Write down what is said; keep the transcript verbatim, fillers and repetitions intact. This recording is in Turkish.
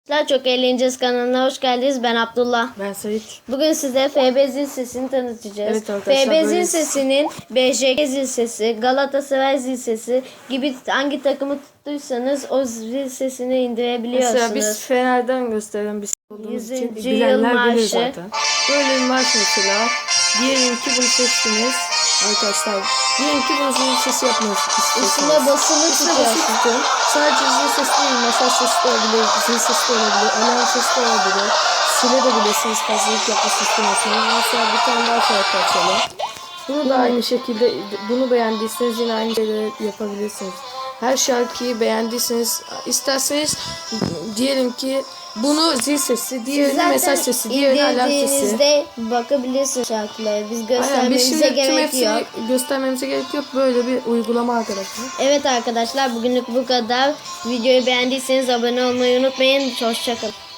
Daha çok eğleneceğiz kanalına hoş geldiniz. Ben Abdullah. Ben Sait. Bugün size F B zil sesini tanıtacağız. Evet arkadaşlar, F B zil böyle- sesinin B J K zil sesi, Galatasaray zil sesi gibi hangi takımı tuttuysanız o zil sesini indirebiliyorsunuz. Mesela biz Fener'den gösteren bir şey olduğumuz için yüzüncü yıl bilenler bilir marşı. zaten. Böyle bir marş mesela. Diyelim ki bunu seçtiniz. Arkadaşlar diyelim ki bunu zil sesi yapmak istiyorsunuz. Üstüne basılı Üstüne basılı tutuyorsun. tutun. Sadece zil sesi değil, mesaj sesi de olabilir, zil sesi de olabilir, alarm sesi de olabilir. Silebilirsiniz fazlalık yapmak istemiyorsanız. Mesela bir tane daha şarkı açalım. Bunu da aynı şekilde, bunu beğendiyseniz yine aynı şeyleri yapabilirsiniz. Her şarkıyı beğendiyseniz, isterseniz diyelim ki bunu zil sesi, diğerini mesaj sesi, diğerini alarm sesi. indirdiğinizde bakabilirsiniz şarkıları. Biz Aynen, biz göstermemize şimdi tüm gerek hepsini yok. göstermemize gerek yok. Böyle bir uygulama arkadaşlar. Evet arkadaşlar bugünlük bu kadar. Videoyu beğendiyseniz abone olmayı unutmayın. Hoşçakalın.